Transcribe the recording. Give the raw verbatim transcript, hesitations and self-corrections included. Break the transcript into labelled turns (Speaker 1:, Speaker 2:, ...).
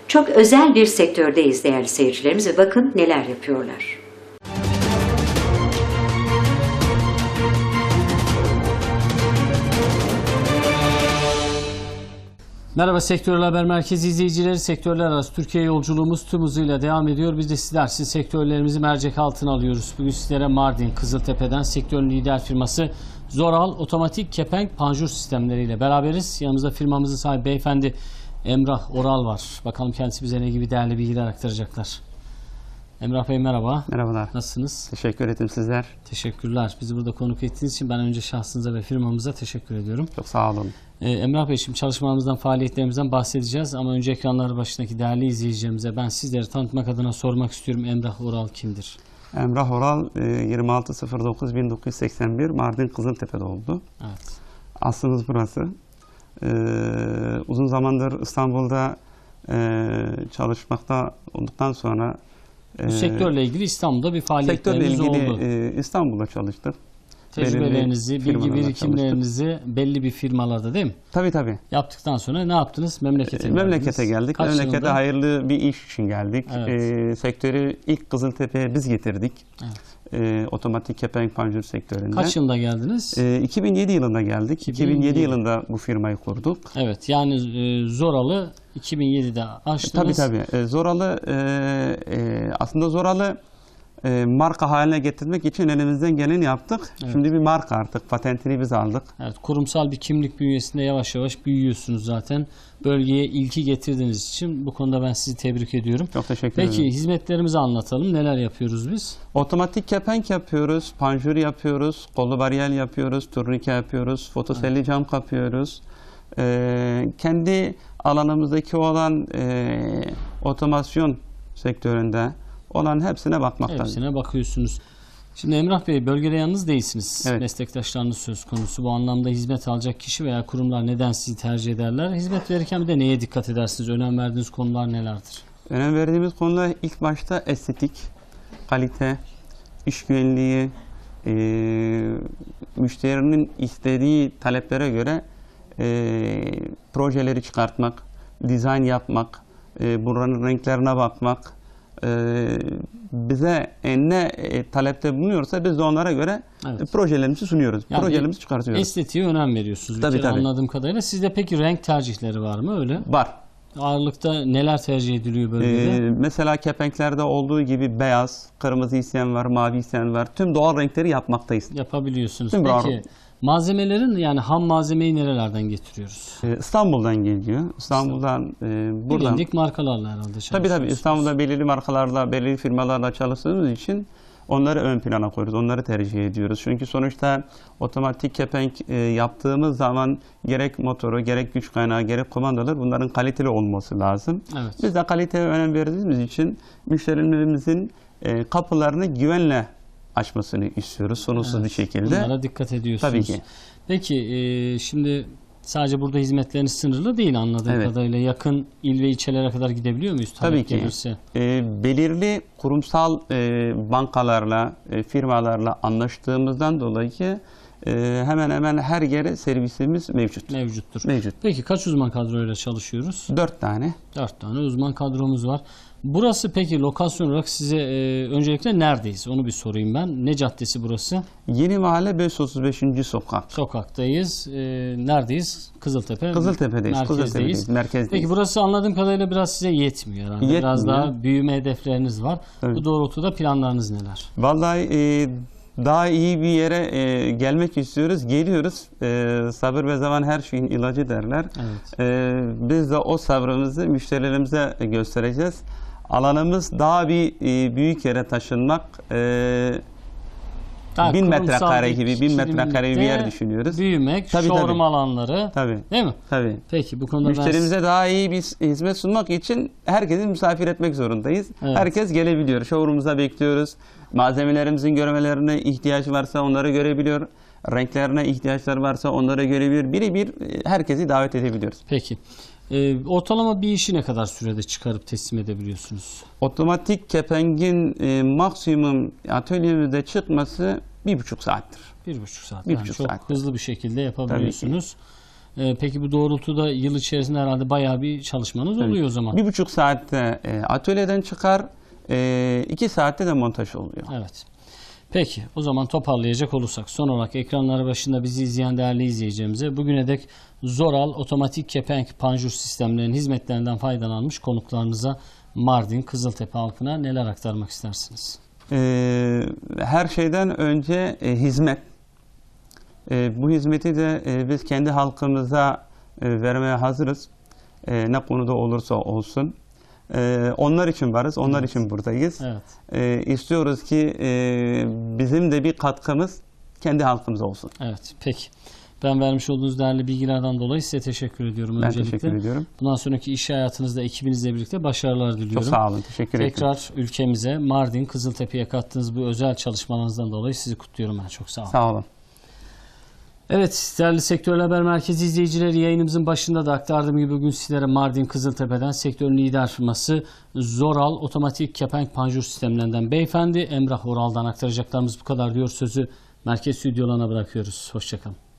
Speaker 1: Çok özel bir sektördeyiz değerli seyircilerimiz ve bakın neler yapıyorlar.
Speaker 2: Merhaba Sektörler Haber Merkezi izleyicileri. Sektörler arası Türkiye yolculuğumuz tüm hızıyla devam ediyor. Biz de sizler için sektörlerimizi mercek altına alıyoruz. Bugün sizlere Mardin, Kızıltepe'den sektörün lider firması Zoral Otomatik Kepenk Panjur sistemleriyle beraberiz. Yanımızda firmamızın sahibi beyefendi Emrah Oral var. Bakalım kendisi bize ne gibi değerli bilgiler aktaracaklar. Emrah Bey merhaba.
Speaker 3: Merhabalar.
Speaker 2: Nasılsınız?
Speaker 3: Teşekkür ederim sizler.
Speaker 2: Teşekkürler. Bizi burada konuk ettiğiniz için ben önce şahsınıza ve firmamıza teşekkür ediyorum.
Speaker 3: Çok sağ olun.
Speaker 2: Ee, Emrah Bey, şimdi çalışmalarımızdan, faaliyetlerimizden bahsedeceğiz ama önce ekranları başındaki değerli izleyicilerimize ben sizleri tanıtmak adına sormak istiyorum. Emrah Oral kimdir?
Speaker 3: Emrah Oral yirmi altı sıfır dokuz bin dokuz yüz seksen bir Mardin Kızıltepe'de oldu.
Speaker 2: Evet.
Speaker 3: Aslımız burası. Ee, uzun zamandır İstanbul'da e, çalışmakta olduktan sonra
Speaker 2: Bu
Speaker 3: e,
Speaker 2: sektörle ilgili İstanbul'da bir faaliyetleriniz
Speaker 3: sektörle ilgili
Speaker 2: oldu.
Speaker 3: e, İstanbul'da çalıştık.
Speaker 2: Tecrübelerinizi,
Speaker 3: Belirli
Speaker 2: bilgi
Speaker 3: firmalarla
Speaker 2: birikimlerinizi belli bir firmalarda değil mi?
Speaker 3: Tabii tabii.
Speaker 2: Yaptıktan sonra ne yaptınız? Memlekete
Speaker 3: E,
Speaker 2: geldiniz.
Speaker 3: memlekete geldik.
Speaker 2: Kaç
Speaker 3: Memlekete
Speaker 2: yılında?
Speaker 3: hayırlı bir iş için geldik.
Speaker 2: Evet.
Speaker 3: E, sektörü ilk Kızıltepe'ye biz getirdik.
Speaker 2: Evet.
Speaker 3: E, otomatik kepenk panjur sektöründe.
Speaker 2: Kaç yılında geldiniz?
Speaker 3: E, iki bin yedi yılında geldik.
Speaker 2: iki bin yedi.
Speaker 3: iki bin yedi yılında bu firmayı kurduk.
Speaker 2: Evet, yani e, Zoral'ı iki bin yedide açtınız.
Speaker 3: Tabii tabii. E, Zoralı e, e, aslında Zoralı e, marka haline getirmek için elimizden geleni yaptık.
Speaker 2: Evet.
Speaker 3: Şimdi bir marka artık. Patentini biz aldık.
Speaker 2: Evet, kurumsal bir kimlik bünyesinde yavaş yavaş büyüyorsunuz zaten. Bölgeye ilki getirdiğiniz için bu konuda ben sizi tebrik ediyorum.
Speaker 3: Çok teşekkür
Speaker 2: Peki,
Speaker 3: ederim.
Speaker 2: hizmetlerimizi anlatalım. Neler yapıyoruz biz?
Speaker 3: Otomatik kepenk yapıyoruz, panjur yapıyoruz, kollu bariyel yapıyoruz, turnike yapıyoruz, fotoselli evet. cam kapıyoruz. Ee, kendi alanımızdaki olan e, otomasyon sektöründe olan hepsine bakmaktayız.
Speaker 2: Hepsine bakıyorsunuz. Şimdi Emrah Bey, bölgede yalnız değilsiniz.
Speaker 3: Evet.
Speaker 2: Meslektaşlarınız söz konusu. Bu anlamda hizmet alacak kişi veya kurumlar neden sizi tercih ederler? Hizmet verirken bir de neye dikkat edersiniz? Önem verdiğiniz konular nelerdir?
Speaker 3: Önem verdiğimiz konular ilk başta estetik, kalite, iş güvenliği, e, müşterinin istediği taleplere göre e, projeleri çıkartmak, dizayn yapmak, e, buranın renklerine bakmak, e, bize ne e, talepte bulunuyorsa biz de onlara göre evet. e, projelerimizi sunuyoruz, yani projelerimizi çıkartıyoruz.
Speaker 2: Estetiğe önem veriyorsunuz.
Speaker 3: Tabii,
Speaker 2: bir kere
Speaker 3: tabii.
Speaker 2: Anladığım kadarıyla. Sizde peki renk tercihleri var mı öyle?
Speaker 3: Var.
Speaker 2: Ağırlıkta neler tercih ediliyor bölgede?
Speaker 3: Ee, mesela kepenklerde olduğu gibi beyaz, kırmızı isteyen var, mavi isteyen var. Tüm doğal renkleri yapmaktayız.
Speaker 2: Yapabiliyorsunuz.
Speaker 3: Tüm
Speaker 2: Peki
Speaker 3: doğal...
Speaker 2: malzemelerin, yani ham malzemeyi nerelerden getiriyoruz?
Speaker 3: Ee, İstanbul'dan geliyor. İstanbul'dan e, buradan.
Speaker 2: Bilindik markalarla herhalde çalışıyorsunuz.
Speaker 3: Tabii tabii. İstanbul'da belirli markalarla, belirli firmalarla çalıştığımız için onları ön plana koyuyoruz. Onları tercih ediyoruz. Çünkü sonuçta otomatik kepenk e, yaptığımız zaman gerek motoru, gerek güç kaynağı, gerek kumandalar bunların kaliteli olması lazım. Evet. Biz de kaliteye önem verdiğimiz için müşterilerimizin e, kapılarını güvenle açmasını istiyoruz. Sorunsuz evet. bir şekilde.
Speaker 2: Bunlara dikkat ediyorsunuz.
Speaker 3: Tabii ki.
Speaker 2: Peki e, şimdi sadece burada hizmetleriniz sınırlı değil anladığım evet. kadarıyla. Yakın il ve ilçelere kadar gidebiliyor muyuz?
Speaker 3: Tabii ki. E, belirli kurumsal e, bankalarla, e, firmalarla anlaştığımızdan dolayı e, hemen hemen her yere servisimiz mevcut.
Speaker 2: Mevcuttur.
Speaker 3: Mevcut.
Speaker 2: Peki kaç uzman kadroyla çalışıyoruz?
Speaker 3: Dört tane.
Speaker 2: Dört tane uzman kadromuz var. Burası peki lokasyon olarak size e, öncelikle neredeyiz? Onu bir sorayım ben. Ne caddesi burası?
Speaker 3: Yeni Mahalle beş yüz otuz beşinci sokak.
Speaker 2: Sokaktayız. E, neredeyiz? Kızıltepe.
Speaker 3: Kızıltepe'deyiz.
Speaker 2: Merkezdeyiz.
Speaker 3: Kızıltepe'deyiz. Merkezdeyiz.
Speaker 2: Peki burası anladığım kadarıyla biraz size yetmiyor herhalde.
Speaker 3: Yetmiyor.
Speaker 2: Biraz daha büyüme hedefleriniz var.
Speaker 3: Evet.
Speaker 2: Bu doğrultuda planlarınız neler?
Speaker 3: Vallahi e, daha iyi bir yere e, gelmek istiyoruz. Geliyoruz. E, sabır ve zaman her şeyin ilacı derler. Evet. E, biz de o sabrımızı müşterilerimize göstereceğiz. Alanımız daha bir e, büyük yere taşınmak. E,
Speaker 2: Daha
Speaker 3: bin metrekare gibi, bin metrekare bir yer düşünüyoruz.
Speaker 2: Büyümek, tabii, showroom tabii. alanları.
Speaker 3: Tabii.
Speaker 2: Değil mi?
Speaker 3: Tabii.
Speaker 2: Peki bu konuda
Speaker 3: müşterimize
Speaker 2: ben...
Speaker 3: daha iyi bir hizmet sunmak için herkesi misafir etmek zorundayız. Evet. Herkes gelebiliyor. Showroom'umuza bekliyoruz. Malzemelerimizin görmelerine ihtiyacı varsa onları görebiliyor. Renklerine ihtiyaçları varsa onları görebiliyor. Birebir herkesi davet edebiliyoruz.
Speaker 2: Peki. Ee, ortalama bir işi ne kadar sürede çıkarıp teslim edebiliyorsunuz?
Speaker 3: Otomatik kepengin e, maksimum atölyemizde çıkması bir buçuk saattir.
Speaker 2: Bir buçuk saat.
Speaker 3: Bir
Speaker 2: yani
Speaker 3: buçuk
Speaker 2: çok
Speaker 3: saat.
Speaker 2: hızlı bir şekilde yapabiliyorsunuz. E, peki bu doğrultuda yıl içerisinde herhalde bayağı bir çalışmanız
Speaker 3: Evet.
Speaker 2: oluyor o zaman.
Speaker 3: Bir buçuk saatte e, atölyeden çıkar, e, iki saatte de montaj oluyor.
Speaker 2: Evet. Peki o zaman toparlayacak olursak son olarak ekranları başında bizi izleyen değerli izleyicilerimize bugüne dek Zoral otomatik kepenk panjur sistemlerinin hizmetlerinden faydalanmış konuklarınıza Mardin Kızıltepe halkına neler aktarmak istersiniz?
Speaker 3: E, her şeyden önce e, hizmet. E, bu hizmeti de e, biz kendi halkımıza e, vermeye hazırız. E, ne konuda olursa olsun. E, onlar için varız, onlar
Speaker 2: Evet.
Speaker 3: için buradayız.
Speaker 2: Evet.
Speaker 3: E, istiyoruz ki e, bizim de bir katkımız kendi halkımıza olsun.
Speaker 2: Evet. Peki. Ben vermiş olduğunuz değerli bilgilerden dolayı size teşekkür ediyorum
Speaker 3: Ben
Speaker 2: öncelikle.
Speaker 3: teşekkür ediyorum.
Speaker 2: Bundan sonraki iş hayatınızda ekibinizle birlikte başarılar diliyorum.
Speaker 3: Çok sağ olun, teşekkür ederim.
Speaker 2: Tekrar ülkemize Mardin Kızıltepe'ye kattığınız bu özel çalışmalarınızdan dolayı sizi kutluyorum ben. Çok sağ olun.
Speaker 3: Sağ olun.
Speaker 2: Evet, değerli Sektörel Haber Merkezi izleyicileri, yayınımızın başında da aktardığım gibi bugün sizlere Mardin Kızıltepe'den sektörün lider firması Zoral otomatik kepenk panjur sistemlerinden beyefendi Emrah Oral'dan aktaracaklarımız bu kadar diyor. Sözü merkez stüdyolarına bırakıyoruz. Hoşçakalın.